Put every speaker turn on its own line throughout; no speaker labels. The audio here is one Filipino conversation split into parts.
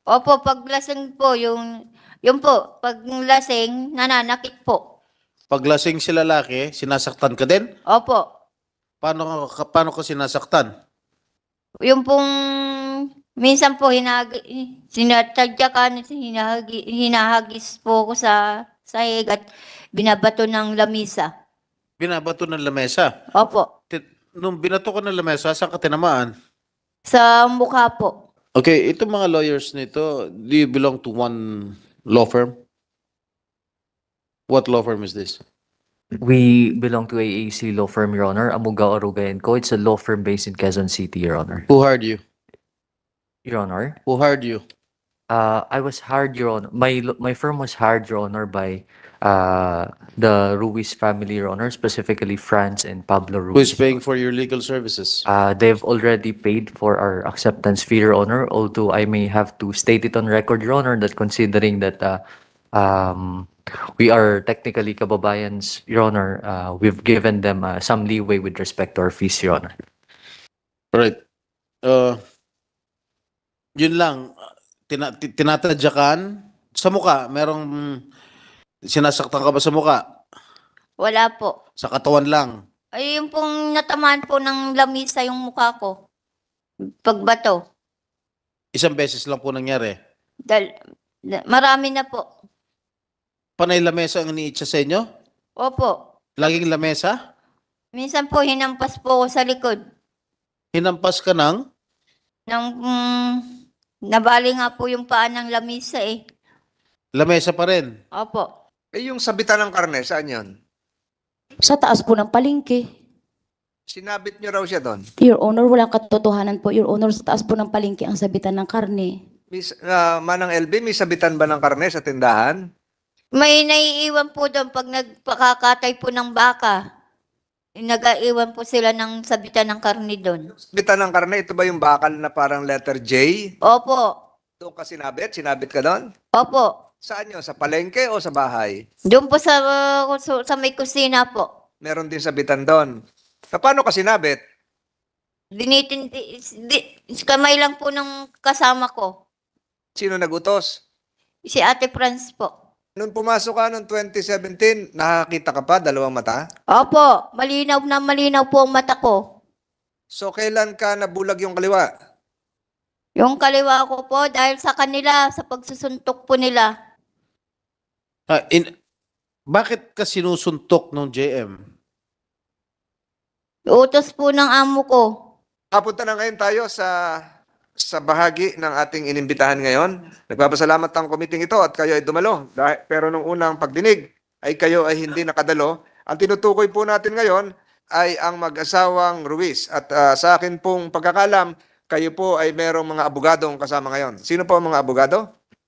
Opo, pag lasing po, yung po, pag lasing, nananakit po.
Pag lasing si lalaki, sinasaktan ka din?
Opo.
Paano ka sinasaktan?
Yung pong, minsan po, sinatadyakan, hinahagis po ako sa sahig at binabato ng lamisa.
Binabato ng lamesa.
Opo.
Nung binato ka ng lamesa, saan ka tinamaan?
Sa mukha po.
Okay, itong mga lawyers nito, do you belong to one law firm? What law firm is this?
We belong to AAC law firm, Your Honor. Amugao Aruga & Co. It's a law firm based in Quezon City, Your Honor.
Who hired you?
Your Honor,
Who hired you?
I was hired, Your Honor. My firm was hired, Your Honor, by the Ruiz family, Your Honor, specifically Franz and Pablo
Who is
Ruiz.
paying for your legal services?
They've already paid for our acceptance fee, Your Honor, although I may have to state it on record, Your Honor, that considering that we are technically kababayans, Your Honor, we've given them some leeway with respect to our fees, Your Honor.
Right. Yun lang, tinatadyakan sa muka. Merong sinasaktan ka ba sa muka?
Wala po.
Sa katawan lang.
Ay, yung pong natamaan po ng lamisa yung mukha ko. Pagbato.
Isang beses lang po nangyari.
Marami na po.
Panay lamesa ang iniitsa sa inyo?
Opo.
Laging lamesa?
Minsan po, hinampas po ako sa likod.
Hinampas ka ng?
Nabali nga po yung paa ng lamisa eh.
Lamesa pa rin.
Opo.
Eh, yung sabitan ng karne, saan yun?
Sa taas po ng palengke.
Sinabit nyo raw siya doon.
Your Honor, walang katotohanan po. Your Honor, sa taas po ng palengke ang sabitan ng karne.
Manang LB, may sabitan ba ng karne sa tindahan?
May naiiwan po doon pag nagpakakatay po ng baka. Nag-aiwan po sila ng sabitan ng karne doon.
Sabitan ng karne, ito ba yung bakal na parang letter J?
Opo.
Doon ka sinabit? Sinabit ka doon?
Opo.
Saan yun? Sa palengke o sa bahay?
Doon po sa may kusina po.
Meron din sabitan doon. Paano ka sinabit?
Kamay lang po ng kasama ko.
Sino nagutos?
Si Ate Franz po.
Nung pumasok ka noong 2017, nakakita ka pa, dalawang mata?
Opo, malinaw po ang mata ko.
So, kailan ka nabulag yung kaliwa?
Yung kaliwa ko po, dahil sa kanila, sa pagsusuntok po nila.
Bakit ka sinusuntok ng JM?
Utos po ng amo ko.
Papunta na ngayon tayo sa bahagi ng ating inimbitahan ngayon. Nagpapasalamat ang committee ito at kayo ay dumalo. Pero nung unang pagdinig ay kayo ay hindi nakadalo. Ang tinutukoy po natin ngayon ay ang mag-asawang Ruiz. At sa akin pong pagkakalam, kayo po ay merong mga abogadong kasama ngayon. Sino po ang mga abogado?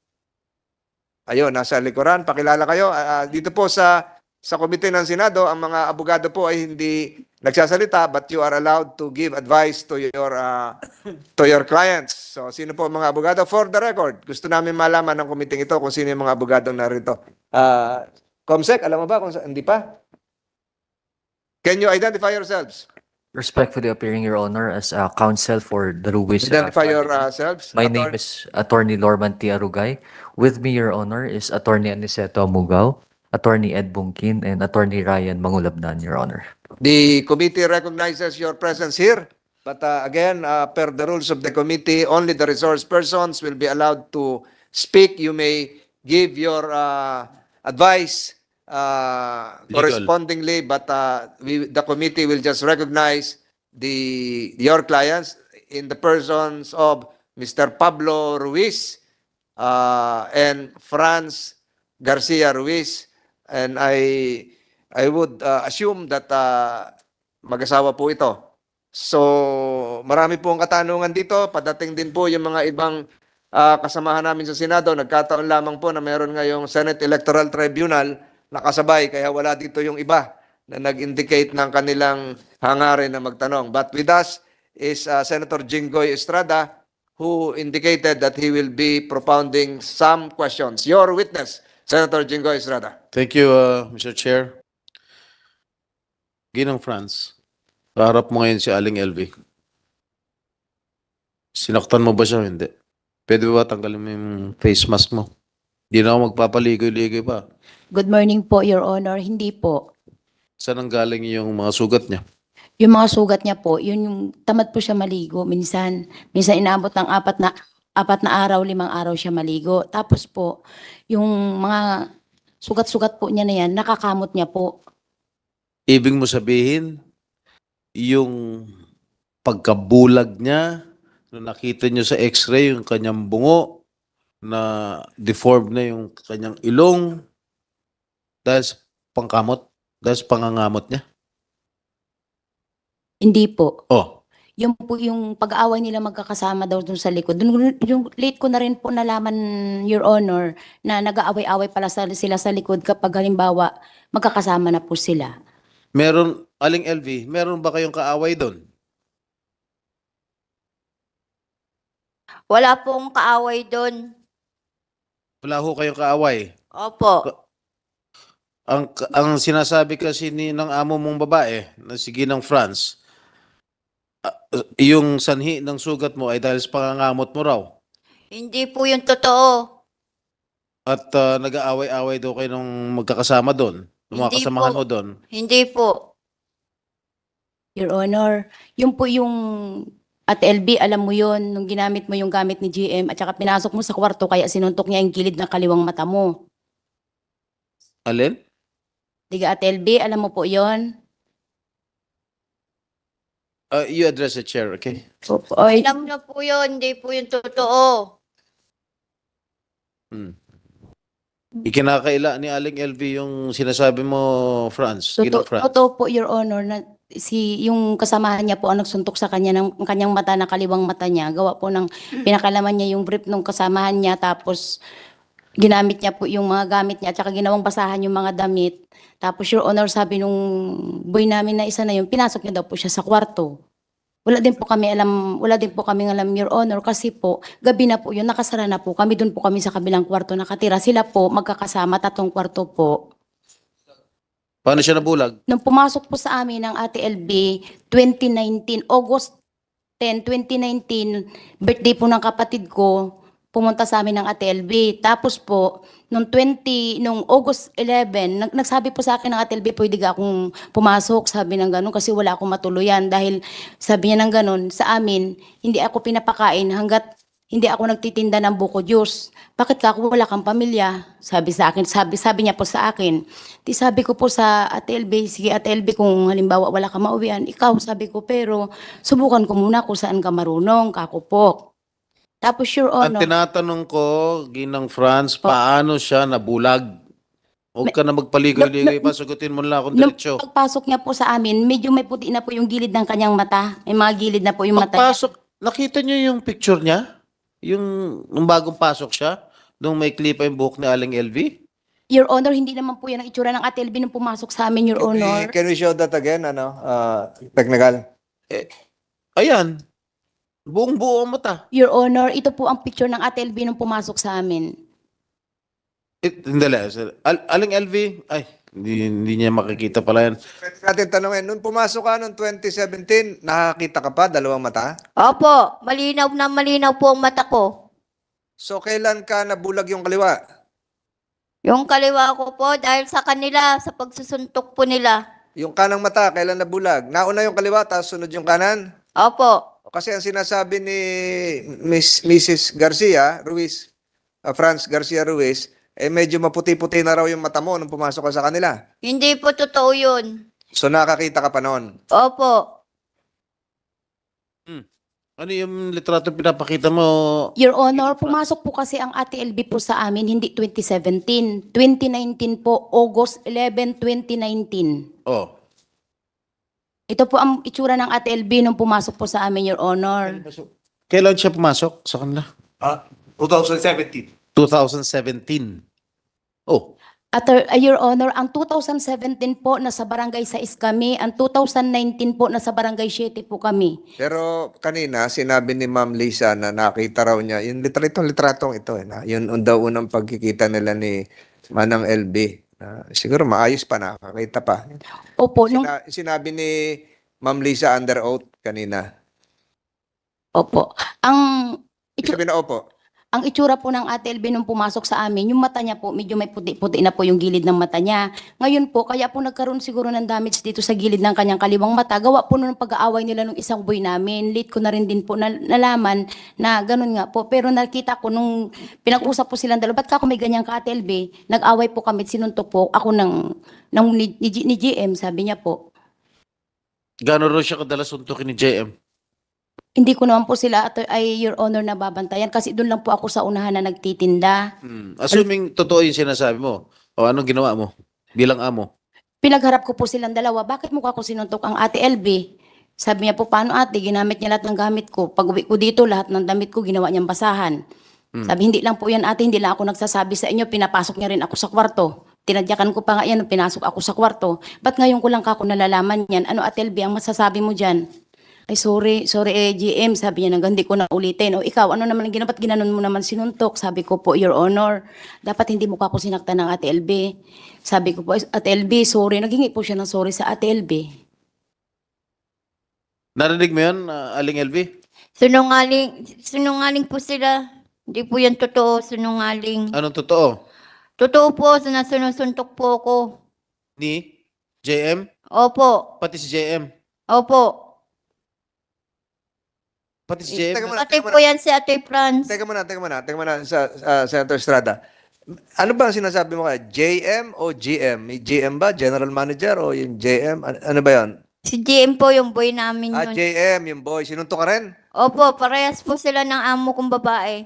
Ayun, nasa likuran. Pakilala kayo. Dito po sa komite ng Senado, ang mga abogado po ay hindi nagsasalita but you are allowed to give advice to your clients. So, sino po ang mga abogado? For the record, gusto namin malaman ng committee ito kung sino yung mga abogadong narito. Comsec, alam mo ba kung hindi pa? Can you identify yourselves?
Respectfully appearing, Your Honor, as counsel for the Ruiz.
Identify
family.
yourselves.
My name is Attorney Lorman T. Arugay. With me, Your Honor, is Attorney Aniceto Amugao, Attorney Ed Bungkin, and Attorney Ryan Mangulabnan, Your Honor.
The committee recognizes your presence here. But again, per the rules of the committee, only the resource persons will be allowed to speak. You may give your advice correspondingly, but the committee will just recognize your clients in the persons of Mr. Pablo Ruiz and Franz Garcia Ruiz. And I would assume that mag-asawa po ito. So, marami pong katanungan dito. Padating din po yung mga ibang kasamahan namin sa Senado. Nagkataon lamang po na meron ngayong Senate Electoral Tribunal nakasabay, kaya wala dito yung iba na nag-indicate ng kanilang hangarin na magtanong. But with us is Senator Jinggoy Estrada, who indicated that he will be propounding some questions. Your witness, Senator Jinggoy Estrada.
Thank you, Mr. Chair. Ginang Franz, kaharap mo ngayon si Aling LV. Sinaktan mo ba siya o hindi? Pwede ba tanggalin mo yung face mask mo? Hindi na ako magpapaligoy-ligoy pa.
Good morning po, Your Honor. Hindi po.
Saan ang galing yung mga sugat niya?
Yung mga sugat niya po, yun yung tamad po siya maligo. Minsan inaabot ng 4 na araw, 5 araw siya maligo. Tapos po, yung mga sugat-sugat po niya na yan, nakakamot niya po.
Ibig mo sabihin, yung pagkabulag niya, nung nakita niyo sa x-ray, yung kanyang bungo, na deformed na yung kanyang ilong, dahil sa pangkamot, dahil sa pangangamot niya.
Hindi po.
Oh,
Yung po yung pag-aaway nila magkakasama daw dun sa likod. Dun, yung late ko na rin po nalaman, Your Honor, na nag-aaway-aaway pala sila sa likod kapag halimbawa magkakasama na po sila.
meron, Aling LV, meron ba kayong kaaway doon?
Wala pong kaaway doon.
Wala ho kayong kaaway.
Opo.
Ang sinasabi kasi ng amo mong babae, na si Ginang France, yung sanhi ng sugat mo ay dahil sa pangangamot mo raw.
Hindi po yung totoo.
At nag-aaway-away daw kayo nung magkakasama doon. Nung mga
Hindi
kasamahan
po.
mo doon.
Hindi po.
Your Honor, yun po yung at LB, alam mo yon nung ginamit mo yung gamit ni GM at saka pinasok mo sa kwarto kaya sinuntok niya yung gilid ng kaliwang mata mo.
Alin?
Diga at LB, alam mo po yon.
You address the chair, okay?
Oy,
Alam na po yun. Hindi po yung totoo.
Ikinakaila ni Aling LV yung sinasabi mo, France. Ginang France.
totoo po, Your Honor, na yung kasamahan niya po ang nagsuntok sa kanya ng kanyang mata na kaliwang mata niya. Gawa po ng pinakalaman niya yung brief ng kasamahan niya tapos ginamit niya po yung mga gamit niya at saka ginawang basahan yung mga damit. Tapos Your Honor, sabi nung boy namin na isa na yun, pinasok niya daw po siya sa kwarto. Wala din po kami alam, Your Honor, kasi po, gabi na po yun, nakasara na po kami, doon po kami sa kabilang kwarto nakatira. Sila po, magkakasama, 3 kwarto po.
Paano siya nabulag?
Nung pumasok po sa amin ng Ate LB, 2019, August 10, 2019, birthday po ng kapatid ko, pumunta sa amin ng Ate LB. Tapos po, nung August 11, nagsabi po sa akin ng Ate LB, pwede ka akong pumasok, sabi ng ganun, kasi wala akong matuluyan. Dahil sabi niya ng ganun, sa amin, hindi ako pinapakain hanggat hindi ako nagtitinda ng buko juice. Bakit ka ako wala kang pamilya? Sabi sa akin, sabi niya po sa akin. Di sabi ko po sa Ate LB, sige Ate LB, kung halimbawa wala ka mauwian, ikaw, sabi ko, pero subukan ko muna kung saan ka marunong, kako po. Tapos Your
Ang
Honor,
tinatanong ko, Ginang France, paano siya nabulag? Huwag ka na magpaligoy-ligoy pa, sagutin mo lang akong
nung
diretsyo.
pagpasok niya po sa amin, medyo may puti na po yung gilid ng kanyang mata. May mga gilid na po yung mata niya.
Pagpasok, nakita niyo yung picture niya? Yung nung bagong pasok siya? Nung may clip yung buhok ni Aling LV?
Your Honor, hindi naman po yan ang itsura ng Ate LB nung pumasok sa amin, Your Honor.
Can we show that again, technical?
Ayan. Buong-buo ang mata.
Your Honor, ito po ang picture ng Ate LB nung pumasok sa amin.
Hindi lang. Aling LV? Ay, hindi niya makikita pala yan.
Pwede natin tanongin, nung pumasok ka noong 2017, nakakita ka pa, 2 mata?
Opo. Malinaw na malinaw po ang mata ko.
So, kailan ka nabulag yung kaliwa?
Yung kaliwa ko po dahil sa kanila, sa pagsusuntok po nila.
Yung kanang mata, kailan nabulag? Nauna yung kaliwa, tapos sunod yung kanan?
Opo.
Kasi ang sinasabi ni Mrs. Garcia Ruiz, Franz Garcia Ruiz, medyo maputi-puti na raw yung mata mo nung pumasok ka sa kanila.
Hindi po totoo yun.
So nakakita ka pa noon.
Opo.
Ano yung litrato pinapakita mo?
Your Honor, pumasok po kasi ang Ate LB po sa amin, hindi 2017. 2019 po, August 11, 2019.
Oh.
Ito po ang itsura ng Ate LB nung pumasok po sa amin, Your Honor.
Kailan siya pumasok sa kanila?
2017.
2017. Oh.
Your Honor, ang 2017 po nasa barangay 6 kami, ang 2019 po nasa barangay 7 po kami.
Pero kanina, sinabi ni Ma'am Lisa na nakita raw niya, yung litratong ito, yun daw unang pagkikita nila ni Manang LB. Siguro maayos pa, nakakita pa.
Opo,
Sinabi ni Ma'am Lisa under oath kanina.
opo. Ang
Ibig sabihin na opo.
ang itsura po ng Ate LB nung pumasok sa amin, yung mata niya po, medyo may puti-puti na po yung gilid ng mata niya. Ngayon po, kaya po nagkaroon siguro ng damage dito sa gilid ng kanyang kaliwang mata. Gawa po nung pag-aaway nila nung isang boy namin. Late ko na rin din po nalaman na ganun nga po. Pero nakita ko nung pinag-usap po silang dalawa, ba't ka ako may ganyan ka, Ate LB? Nag-away po kami, sinuntok po ako ni GM, sabi niya po.
Gano'n raw siya kadalas suntukin ni JM?
Hindi ko naman po sila, Your Honor, na babantayan kasi doon lang po ako sa unahan na nagtitinda.
Assuming totoo yung sinasabi mo, o anong ginawa mo bilang amo?
Pinagharap ko po silang dalawa, bakit mukha ko sinuntok ang Ate LB? Sabi niya po, paano ate, ginamit niya lahat ng gamit ko. Pag uwi ko dito, lahat ng damit ko ginawa niyang basahan. Sabi, hindi lang po yan ate, hindi lang ako nagsasabi sa inyo, pinapasok niya rin ako sa kwarto. Tinadyakan ko pa nga yan, pinasok ako sa kwarto. Ba't ngayon ko lang kako nalalaman yan? Ano Ate LB, ang masasabi mo dyan? Ay sorry GM, sabi niya hindi ko na ulitin. O ikaw, ano naman ang ginawa, ba't ginanon mo naman sinuntok? Sabi ko po, Your Honor, dapat hindi mo ako sinaktan ng Ate LB. Sabi ko po, Ate LB, sorry. Naghingi po siya ng sorry sa Ate LB.
Narinig mo yun, Aling LV?
Sinungaling po sila. Hindi po yan totoo, sinungaling.
Anong totoo?
Totoo po, sinusuntok po ako.
Ni JM?
Opo,
Pati si JM?
opo.
Pati si JM?
Teka muna,
Pati po yan si Ate Franz.
teka muna sa Senator Estrada. Ano ba ang sinasabi mo kaya? JM o GM? May GM ba? General Manager o yung JM? Ano ba yan?
Si GM po yung boy namin yun.
JM, yung boy. Sinuntok ka rin?
Opo, parehas po sila ng amo kong babae.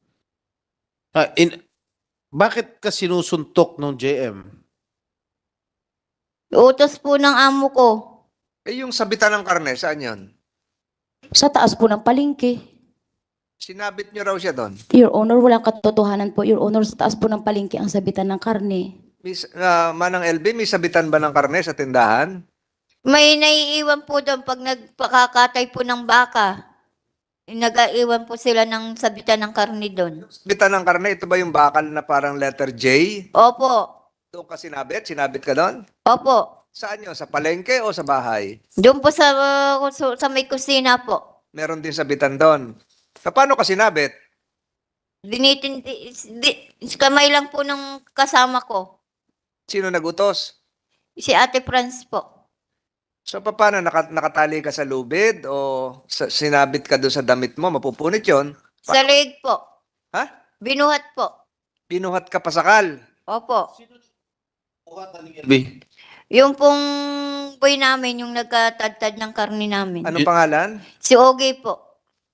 Bakit ka sinusuntok ng JM?
Utos po ng amo ko.
Yung sabitan ng karne, saan yun?
Sa taas po ng palengke.
Sinabit niyo raw siya doon.
Your Honor, walang katotohanan po. Your Honor, sa taas po ng palengke ang sabitan ng karne.
Manang LB, may sabitan ba ng karne sa tindahan?
May naiiwan po doon pag nagpakakatay po ng baka. Nag-aiwan po sila ng sabitan ng karne doon.
Sabitan ng karne, ito ba yung bakal na parang letter J?
Opo,
Doon ka sinabit? Sinabit ka doon?
opo.
Saan yun? Sa palengke o sa bahay?
Doon po sa may kusina po.
Meron din sabitan doon. Paano ka sinabit?
Kamay lang po ng kasama ko.
Sino nagutos?
Si Ate Franz po.
So paano? Nakatali ka sa lubid o sinabit ka doon sa damit mo? Mapupunit yon.
Sa leeg po.
Ha?
Binuhat po.
Binuhat ka pasakal.
Opo.
LV?
Yung pong boy namin, yung nagkatadtad ng karne namin.
Anong pangalan?
Si Ogie po.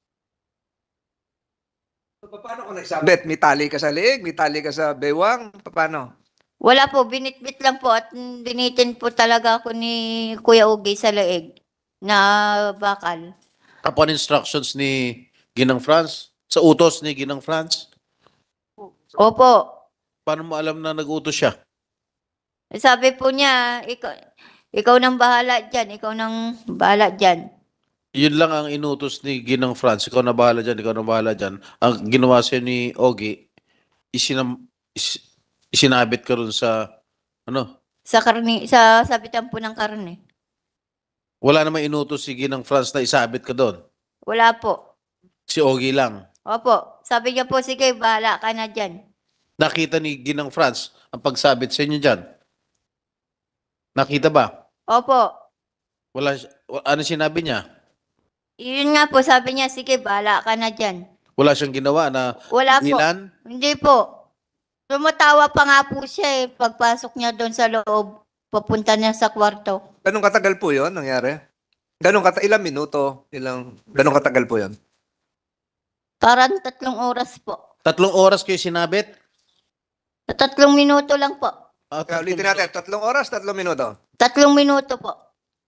So, paano ka nagsabit? May tali ka sa leeg? May tali ka sa bewang? Paano?
Wala po, binitbit lang po at binitin po talaga ako ni Kuya Ogie sa leeg na bakal.
Upon instructions ni Ginang Franz? Sa utos ni Ginang Franz?
Opo.
Paano mo alam na nag-utos siya?
Sabi po niya, ikaw nang bahala dyan, ikaw nang bahala dyan.
Yun lang ang inutos ni Ginang Franz. Ikaw na bahala dyan, ikaw na bahala dyan. Ang ginawa sa'yo ni Ogie, isinabit ka rin sa,
Sa karne, sa sabitan po ng karne.
wala namang inutos si Ginang Franz na isabit ka doon.
Wala po.
Si Ogie lang.
Opo. Sabi niya po, sige, bahala ka na dyan.
Nakita ni Ginang Franz ang pagsabit sa inyo dyan. Nakita ba?
Opo.
Ano sinabi niya?
Yun nga po, sabi niya, sige, bahala ka na dyan.
Wala siyang ginawa na
Wala po.
ilan?
Hindi po. Tumatawa pa nga po siya pagpasok niya doon sa loob, papunta niya sa kwarto.
Ganong katagal po yon nangyari? Ilang minuto? Ganong katagal po yon?
Parang 3 oras po.
3 oras kayo sinabit?
Sa 3 minuto lang po.
Kaya ulitin natin, 3 oras, 3 minuto.
3 minuto po.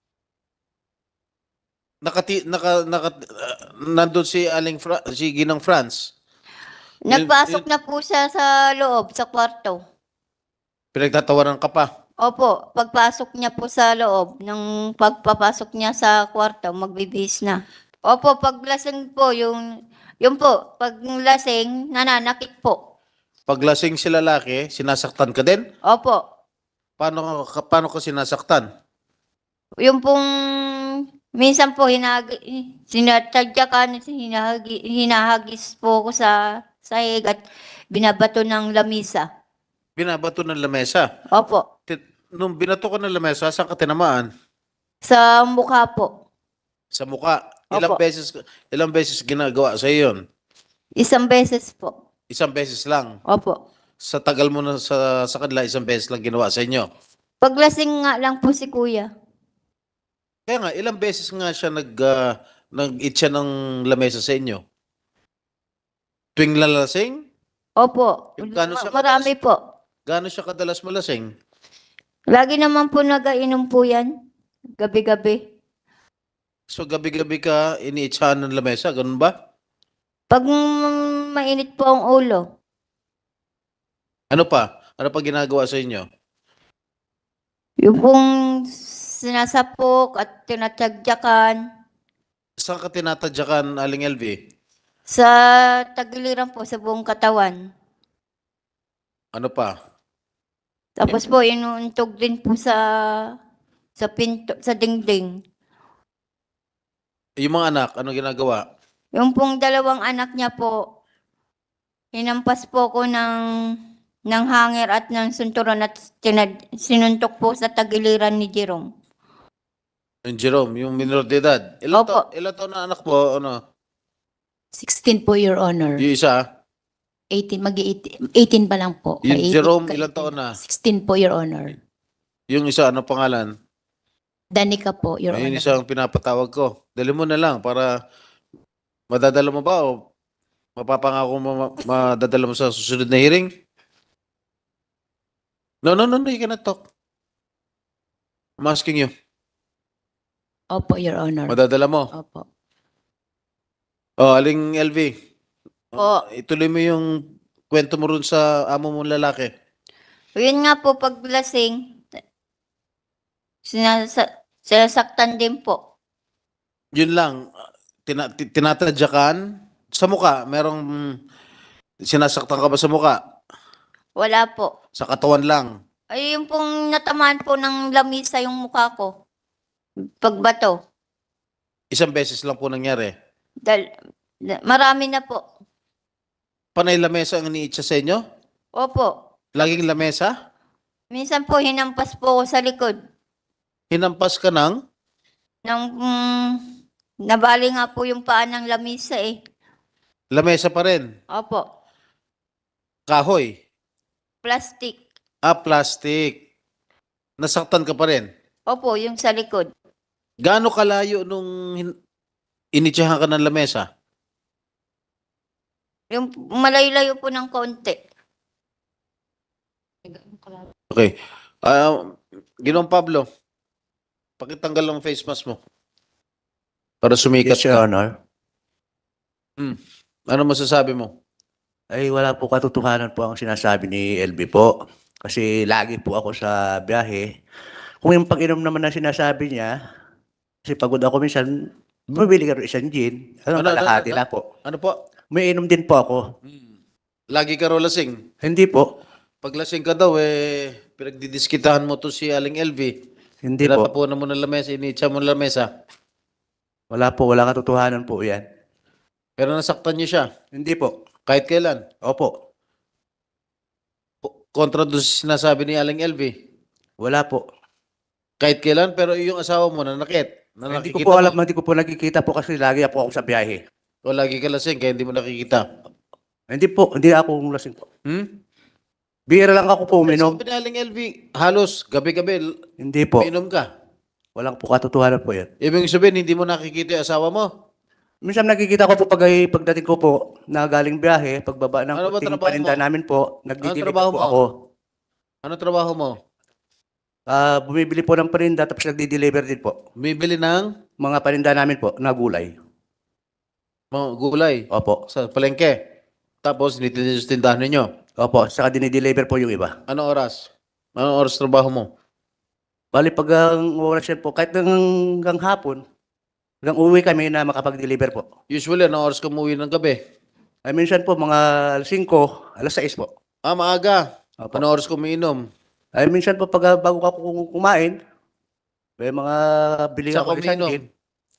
Nandun si si Ginang Franz.
Nagpasok na po siya sa loob, sa kwarto.
Pinagtatawaran ka pa.
Opo, pagpasok niya po sa loob, nang pagpapasok niya sa kwarto, magbibihis na. Opo, paglasing po, yung po, pag lasing, nananakit po.
Pag lasing si lalaki, sinasaktan ka din?
Opo.
Paano ka sinasaktan?
Yung pong, minsan po, sinatadyakan, hinahagis po ko sa sahig at binabato ng lamisa.
Binabato ng lamesa.
Opo,
Nung binato ka ng lamesa, saan ka tinamaan?
sa mukha po.
Sa muka.
Opo.
Ilang beses ginagawa sa yun?
Isang beses po.
Isang beses lang.
Opo.
Sa tagal mo na sa kanila, isang beses lang ginawa sa inyo.
Paglasing nga lang po si kuya.
Kaya nga, ilang beses nga siya nag-itcha ng lamesa sa inyo? Tuwing lalasing?
Opo.
Yung gano'n siya
Marami po.
Gaano siya kadalas malasing?
Lagi naman po nagainom po yan. Gabi-gabi.
So gabi-gabi ka iniitsahan ng lamesa, ganun ba?
Pag mainit po ang ulo,
Ano pa? Ano pa ginagawa sa inyo?
yung pong sinasapok at tinatagyakan
Saan ka tinatadyakan, Aling LV?
sa tagiliran po sa buong katawan.
Ano pa?
Tapos po, inuuntog din po sa pinto, sa dingding.
Yung mga anak, ano ginagawa?
Yung pong dalawang anak niya po, hinampas po ko ng hanger at ng sunturon at sinuntok po sa tagiliran ni Jerome.
Yung Jerome, yung minor de edad.
Opo.
Ilan taon na anak mo? Ano?
16 po, Your Honor.
Yung isa?
18, mag-18 pa lang po.
Yung
May 18
Jerome,
ka-
ilang taon na?
16 po, Your Honor.
Yung isa, ano pangalan?
Danica po, Your
Ayun
Honor.
isa ang pinapatawag ko. Dali mo na lang para madadala mo ba o mapapangako mo madadala mo sa susunod na hearing? No, you cannot talk. I'm asking you.
Opo, Your Honor.
Madadala mo.
Opo.
Oh, Aling LV.
Po.
Ituloy mo yung kwento mo rin sa amo mong lalaki.
Yun nga po, pag lasing, sinasaktan din po.
Yun lang. Tinatadyakan sa muka. Merong sinasaktan ka ba sa muka?
Wala po.
Sa katawan lang.
Ay, yung pong natamaan po ng lamisa yung mukha ko. Pagbato.
Isang beses lang po nangyari.
Marami na po.
Panay lamesa ang iniitsa sa inyo?
Opo.
Laging lamesa?
Minsan po, hinampas po ko sa likod.
Hinampas ka ng?
Nabali nga po yung paa ng lamisa eh.
Lamesa pa rin.
Opo.
Kahoy.
Plastic.
Plastic. Nasaktan ka pa rin.
Opo, yung sa likod.
Gaano kalayo nung initsahan ka ng lamesa?
Yung malayo-layo po ng konti.
Okay. Ginoong Pablo, pakitanggal ang face mask mo. Para sumikat
Yes, Your
ka.
Honor.
Ano masasabi mo?
Ay wala po katotohanan po ang sinasabi ni LB po. Kasi lagi po ako sa biyahe. Kung yung pag-inom naman na sinasabi niya, kasi pagod ako minsan, bumibili ka rin isang gin. Kalahati na po.
Ano po?
May inom din po ako.
Lagi ka raw lasing.
Hindi po.
Pag lasing ka daw, pinagdidiskitahan mo to si Aling LV.
Hindi po.
Tinatapunan mo ng lamesa, initsa mo ng lamesa.
Wala po. Wala katotohanan po yan.
Pero nasaktan niyo siya.
Hindi po.
Kahit kailan.
Opo.
Kontra doon sa sinasabi ni Aling LV.
Wala po.
Kahit kailan, pero yung asawa mo nanakit. Na
Hindi ko
nakikita
po alam.
mo.
Hindi ko po nakikita po kasi lagi po ako sa biyahe.
O lagi ka lasing, kaya hindi mo nakikita.
Hindi po. Hindi ako lasing po. Bira lang ako po uminom.
Sabi ni Aling LV, halos gabi-gabi,
Hindi po.
uminom ka.
Walang po katotohanan po yan.
Ibig sabihin, hindi mo nakikita yung asawa mo.
Minsan nakikita ko po pagdating ko po na galing biyahe, pagbaba ng
Ano ba
puting
trabaho
paninda
mo?
namin po, nagdidilip
trabaho
po
mo?
ako.
Ano trabaho mo?
Bumibili po ng paninda tapos nagdi-deliver din po.
Bumibili ng
Mga paninda namin po na gulay.
mga gulay
Opo.
sa palengke. Tapos, nitilis sa tindahan ninyo.
Opo, saka dinideliver po yung iba.
Anong oras? Anong oras trabaho mo?
Bali pag ang oras yan po, kahit hanggang hapon, hanggang uwi kami na makapag-deliver po.
Usually, anong oras ka umuwi ng gabi?
Ay minsan po mga 5, alas 6 po.
Maaga.
Opo.
Anong oras ka umiinom?
Ay minsan po pag bago ako kumain, may mga bili
Saan
ako
ka
isang
umiinom?
gin.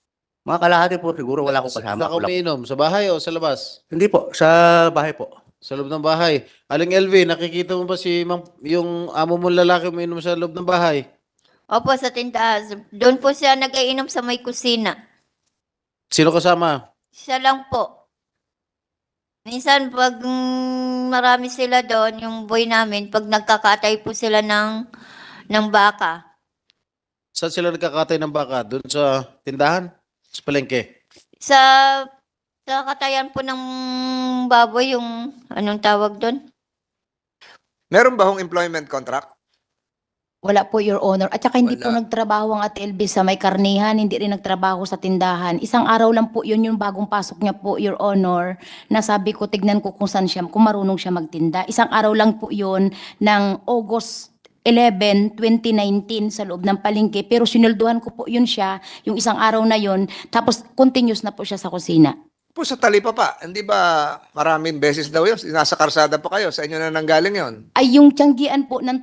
Mga kalahati po, siguro wala akong kasama.
Saan ka umiinom? Sa bahay o sa labas?
Hindi po, sa bahay po.
Sa loob ng bahay. Aling LV, nakikita mo ba yung amo mong lalaki umiinom sa loob ng bahay?
Opo, sa tindahan. Doon po siya nag-iinom sa may kusina.
Sino kasama?
Siya lang po. Minsan pag marami sila doon, yung boy namin, pag nagkakatay po sila ng baka.
Saan sila nagkakatay ng baka? Doon sa tindahan? Sa palengke?
Sa katayan po ng baboy, yung anong tawag doon?
Meron ba hong employment contract?
Wala po, Your Honor. At saka hindi po
Wala.
nagtrabaho ang Ate LB sa may karnihan, hindi rin nagtrabaho sa tindahan. Isang araw lang po yun yung bagong pasok niya po, Your Honor, na sabi ko, tignan ko kung saan siya, kung marunong siya magtinda. Isang araw lang po yun ng August 11, 2019 sa loob ng palengke. Pero sinulduhan ko po yun siya, yung isang araw na yun, tapos continuous na po siya sa kusina.
Po sa Talipapa, hindi ba maraming beses daw yun? Nasa karsada pa kayo, sa inyo na nanggaling yon.
Ay yung tiyanggian po ng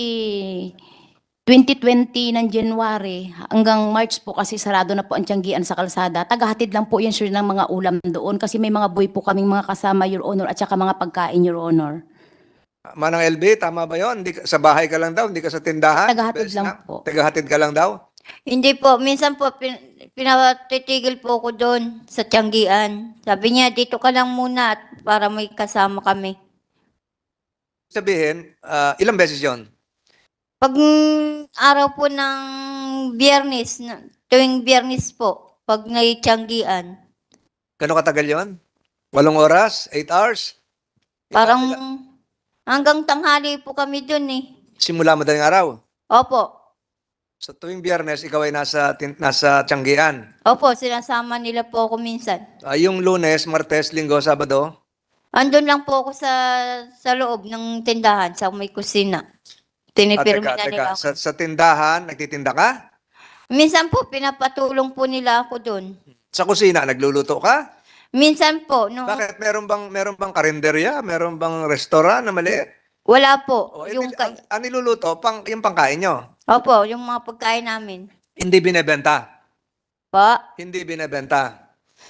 2020 ng January hanggang March po kasi sarado na po ang tiyanggian sa kalsada. Tagahatid lang po yan sir ng mga ulam doon kasi may mga boy po kaming mga kasama, Your Honor, at saka mga pagkain, Your Honor.
Manang LB, tama ba yon? Sa bahay ka lang daw, hindi ka sa tindahan?
Tagahatid
Beses
lang
na?
po.
Tagahatid ka lang daw?
Hindi po, minsan po pinatitigil po ko doon sa tiyanggian. Sabi niya, dito ka lang muna at para may kasama kami.
Sabihin, ilang beses yon?
Pag araw po ng Biyernes, tuwing Biyernes po, pag may tiyanggian,
Gano'ng katagal yon? 8 oras? 8 hours?
parang hanggang tanghali po kami doon eh.
Simula madaling araw.
Opo,
Sa tuwing Biyernes, ikaw ay nasa Tianggian.
opo, sinasama nila po ako minsan.
Yung Lunes, Martes, Linggo, Sabado,
Andun lang po ako sa loob ng tindahan, sa may kusina. Tinipirmi na nila ako.
Sa tindahan, nagtitinda ka?
Minsan po, pinapatulong po nila ako doon.
Sa kusina, nagluluto ka?
Minsan po, no,
Bakit? Meron bang karinderya? Meron bang restaurant na maliit?
wala po.
O,
Yung
ang niluluto, yung pangkain nyo.
Opo, yung mga pagkain namin.
Hindi binebenta.
Pa,
Hindi binebenta.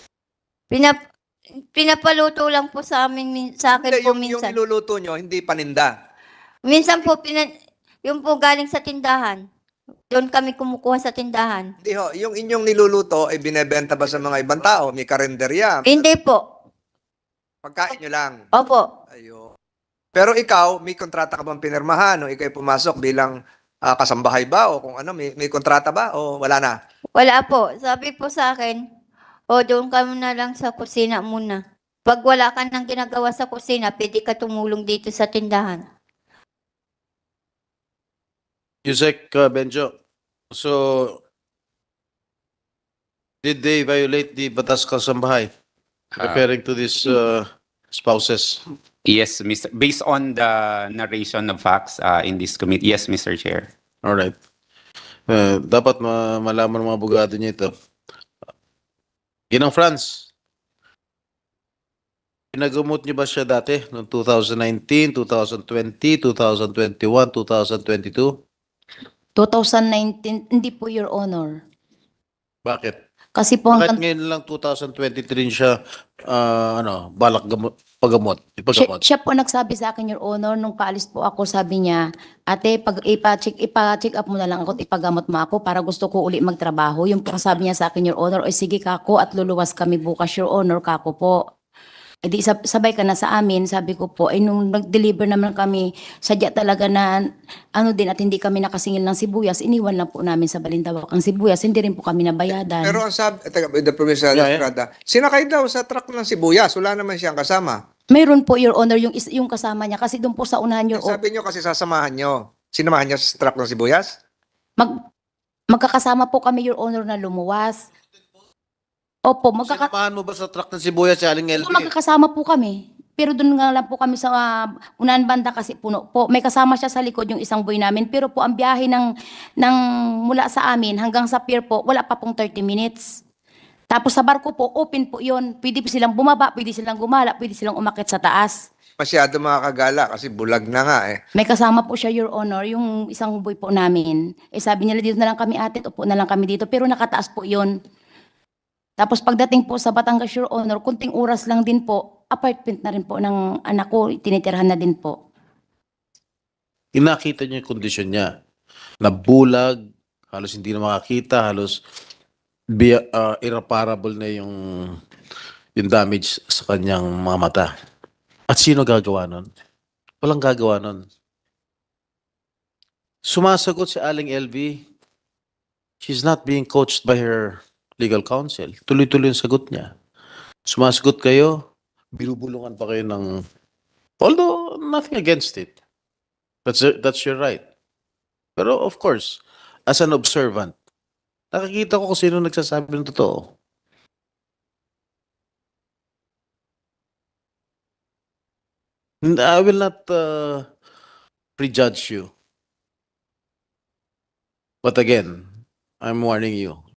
pinapaluto lang po sa amin, sa akin
Hindi,
po
yung
minsan.
niluluto nyo, hindi paninda.
Minsan po, yung po galing sa tindahan. Doon kami kumukuha sa tindahan.
Hindi ho, yung inyong niluluto ay binebenta ba sa mga ibang tao? May karinderya?
Hindi po.
Pagkain nyo lang.
Opo.
Ayun. Pero ikaw, may kontrata ka bang pinirmahan? O ikaw ay pumasok bilang kasambahay ba? O kung ano, may kontrata ba? O wala na?
Wala po. Sabi po sa akin, doon ka muna lang sa kusina muna. Pag wala ka nang ginagawa sa kusina, pwede ka tumulong dito sa tindahan.
Yusek Benjo. So, did they violate the Batas Kasambahay? Referring to these spouses.
Yes, Mr. Based on the narration of facts in this committee, yes, Mr. Chair.
All right. Dapat malaman ng mga abogado niya ito. Ginang Franz, pinagamot niyo ba siya dati noong 2019, 2020, 2021, 2022?
2019, hindi po, Your Honor.
Bakit?
Kasi po
Bakit
hanggang
ngayon lang 2023 siya balak pagamot, ipagamot?
siya po nagsabi sa akin, Your Honor, nung paalis po ako, sabi niya, ate, pag ipa-check up mo na lang ako at ipagamot mo ako para gusto ko uli magtrabaho. Yung po sabi niya sa akin, Your Honor, ay sige kako at luluwas kami bukas, Your Honor, kako po. E di sabay ka na sa amin, sabi ko po, ay nung nag-deliver naman kami, sadya talaga na ano din at hindi kami nakasingil ng sibuyas, iniwan lang po namin sa Balintawak ang sibuyas, hindi rin po kami nabayadan.
Pero ang sabi, the provincial
Yeah, yeah.
Estrada, sinakay daw sa truck ng sibuyas. Wala naman siyang kasama.
Mayroon po, Your Honor, yung kasama niya, kasi doon po sa unahan, Your Honor,
Sabi nyo kasi sasamahan nyo. Sinamahan nyo sa truck ng sibuyas?
magkakasama po kami, Your Honor, na lumuwas. Opo,
Sinamahan mo ba sa truck ng sibuyas si Aling LV?
magkakasama po kami. Pero doon nga lang po kami sa unahan banda kasi puno po. May kasama siya sa likod yung isang boy namin. Pero po ang biyahe ng mula sa amin hanggang sa pier po, wala pa pong 30 minutes. Tapos sa barko po, open po yun. Pwede po silang bumaba, pwede silang gumala, pwede silang umakyat sa taas.
Masyado makakagala kasi bulag na nga eh.
May kasama po siya, Your Honor, yung isang boy po namin. Eh sabi nila, dito na lang kami ate, upo na lang kami dito. Pero nakataas po yun. Tapos pagdating po sa Batangas, Your Honor, kunting oras lang din po, apartment na rin po ng anak ko, tinitirhan na din po.
Inakita niyo yung kondisyon niya. Nabulag, halos hindi na makakita, halos irreparable na yung damage sa kanyang mga mata. At sino gagawa nun? Walang gagawa nun. Sumasagot si Aling LV. She's not being coached by her legal counsel. Tuloy-tuloy yung sagot niya. Sumasagot kayo, binubulungan pa kayo ng... Although, nothing against it. That's your right. Pero of course, as an observant, nakikita ko kung sino nagsasabi ng totoo. And I will not prejudge you. But again, I'm warning you.